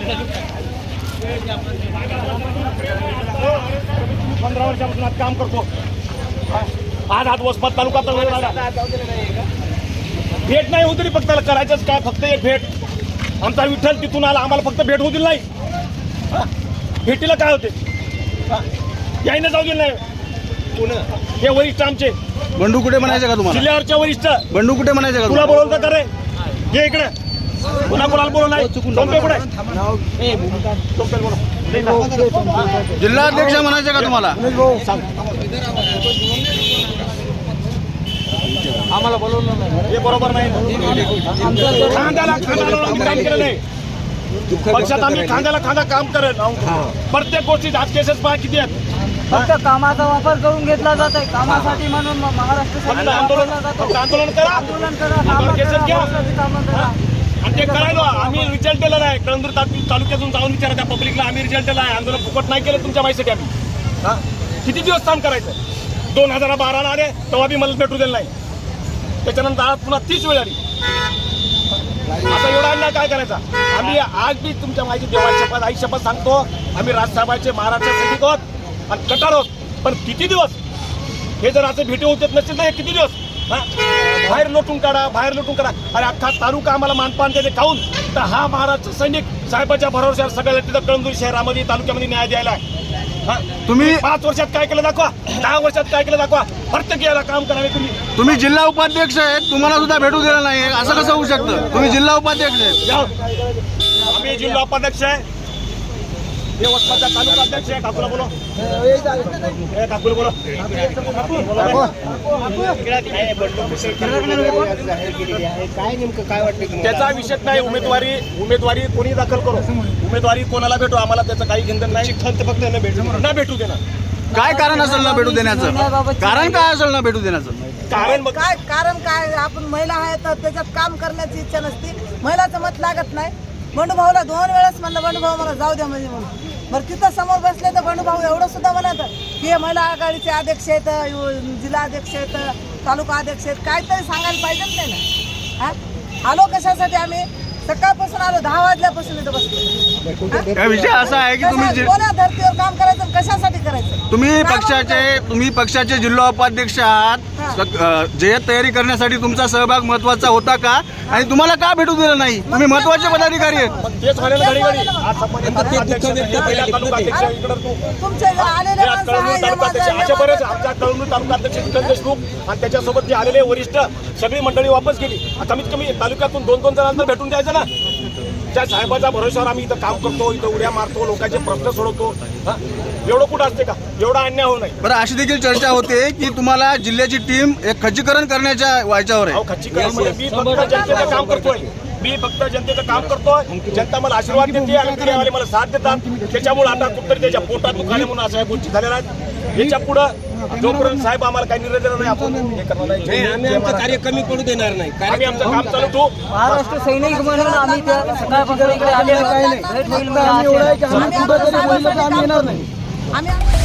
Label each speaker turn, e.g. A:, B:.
A: 15 वर्षापासून आज काम करतो. आज वसमत तालुका भेट नाही होती फक्त करायचंच काय, फक्त एक भेट. आमचा विठ्ठल तिथून आला, आम्हाला फक्त भेट होऊ दिली नाही. भेटीला काय होते, यायनं जाऊ दिलं नाही. हे वरिष्ठ आमचे
B: बंडू कुठे म्हणायचं का तुम्हाला?
A: जिल्ह्यावरच्या वरिष्ठ
B: बंडू कुठे म्हणायचं का
A: तुला बोलवलं का रे? ये इकडे. पुन्हा कोणाला बोलवलं नाही? टोपे कुठे? टोपेल बोला.
B: जिल्हाध्यक्ष म्हणायचं का तुम्हाला?
A: आम्हाला बोलवलं नाही, हे बरोबर नाही. खांद्याला खांदा लावून काम केलं नाही. पक्षात आम्ही खांद्याला खांदा काम करेल. प्रत्येक गोष्टीत आज केसेस पहा किती आहेत.
C: फक्त कामाचा वापर करून घेतला जात आहे. कामासाठी म्हणून महाराष्ट्र
A: आंदोलन करा, आम्हाला केसेस घ्या. आणि ते करायला आम्ही रिझल्ट दिला नाही. कळंदूर तालुक्यातून जाऊन विचारा त्या पब्लिकला, आम्ही रिझल्ट दिला आहे. आंदोलन फुकट नाही केलं तुमच्या माहितीसाठी. आम्ही किती दिवस काम करायचं? 2012ला आले तेव्हा बी मला भेटू दिलं नाही. त्याच्यानंतर आज पुन्हा 30 वेळ आली. आता एवढा अन्याय काय करायचा? आम्ही आज बी तुमच्या माहिती देवाची शपथ, आई शपथ सांगतो, आम्ही राजसाहेबांचे महाराष्ट्र सैनिक आहोत आणि कटार आहोत. पण किती दिवस हे जर असं भेटी होत नसतील तर हे किती दिवस बाहेर लोटून काढा, बाहेर लोटून काढा. अरे अख्खा तालुका आम्हाला मानपान त्याचे खाऊन तर हा महाराष्ट्र सैनिक साहेबाच्या भरोश्यावर सगळ्या तिथं कळंदूर शहरामध्ये तालुक्यामध्ये न्याय द्यायला आहे.
B: तुम्ही
A: 5 वर्षात काय केलं दाखवा, 10 वर्षात काय केलं दाखवा. प्रत्येक याला काम करावे.
B: तुम्ही जिल्हा उपाध्यक्ष आहेत, तुम्हाला सुद्धा भेटू दिलं नाही, असं कसं होऊ शकतं? तुम्ही जिल्हा उपाध्यक्ष आहेत.
A: आम्ही जिल्हा उपाध्यक्ष आहे, हे वसमतचा तालुका अध्यक्ष आहे. काकूला बोलो, काकूला बोलो.
D: काय नेमकं काय वाटतं?
A: त्याचा विषय नाही. उमेदवारी कोणी दाखल करो, उमेदवारी कोणाला भेटू, आम्हाला त्याचं काही चिंतन नाही. फक्त न भेटू देणार.
B: काय कारण असेल ना भेटू देण्याचं? कारण काय असेल ना भेटू देण्याचं?
C: कारण काय, आपण महिला आहे तर त्याच्यात काम करण्याची इच्छा नसते. महिलाचं मत लागत नाही. बंडूभाऊला 2 वेळेस म्हणलं, बंडूभाऊ मला जाऊ द्या म्हणजे म्हणून. बरं तिथं समोर बसले तर बंडूभाऊ एवढं सुद्धा म्हणत की हे महिला आघाडीचे अध्यक्ष आहेत, जिल्हा अध्यक्ष आहेत, तालुका अध्यक्ष आहेत, काहीतरी सांगायला पाहिजे नाही ना. आलो कशासाठी? आम्ही सकाळपासून आलो, 10 वाजल्यापासून इथं बसलो.
B: विषय असा आहे की
C: कोणा धर्तीवर काम करायचं, कशासाठी करायचं?
B: तुम्ही पक्षाचे जिल्हा उपाध्यक्ष आहात. जय्यत तयारी करण्यासाठी तुमचा सहभाग महत्वाचा होता का? आणि तुम्हाला का भेटू दिलं नाही? तुम्ही महत्वाचे पदाधिकारी आहेत.
A: तेच म्हणाले घडी घडी
C: तुमचे आलेले माणसं आहे,
A: अशा बरेच आमच्या कळंदूर तालुका अध्यक्ष विठ्ठल देशमुख आणि त्याच्यासोबत जे आलेले वरिष्ठ सगळी मंडळी वापस गेली. कमीत कमी तालुक्यातून 2-2 जणांना भेटून द्यायचं ना. त्या साहेबाच्या भरोश्यावर आम्ही इथं काम करतो, इथं उड्या मारतो, लोकांचे प्रश्न सोडवतो. एवढं कुठं असते का? एवढा अन्याय होऊ नये.
B: बरं, अशी देखील चर्चा होते की तुम्हाला जिल्ह्याची टीम एक खच्चीकरण करण्याच्या व्हायच्यावर आहे.
A: खच्चीकरण म्हणजे मी फक्त जनतेचं काम करतोय. जनता मला आशीर्वाद देते आणि मीडियावाले मला साथ देतात. त्याच्यामुळे आता कुठतरी त्याच्या पोटात दुखाणे म्हणून अशा गोष्टी झालेल्या आहेत. याच्या पुढे जोपर्यंत साहेब आम्हाला काही निर्णय देणार नाही, आपण हे करणार नाही.
D: आम्ही आमचं कार्य कमी पडू देणार नाही.
A: आम्ही आमचं काम चालू ठेवू.
C: महाराष्ट्र सैनिक म्हणून आम्ही सकाळपासून इकडे आलेलो.
B: आम्ही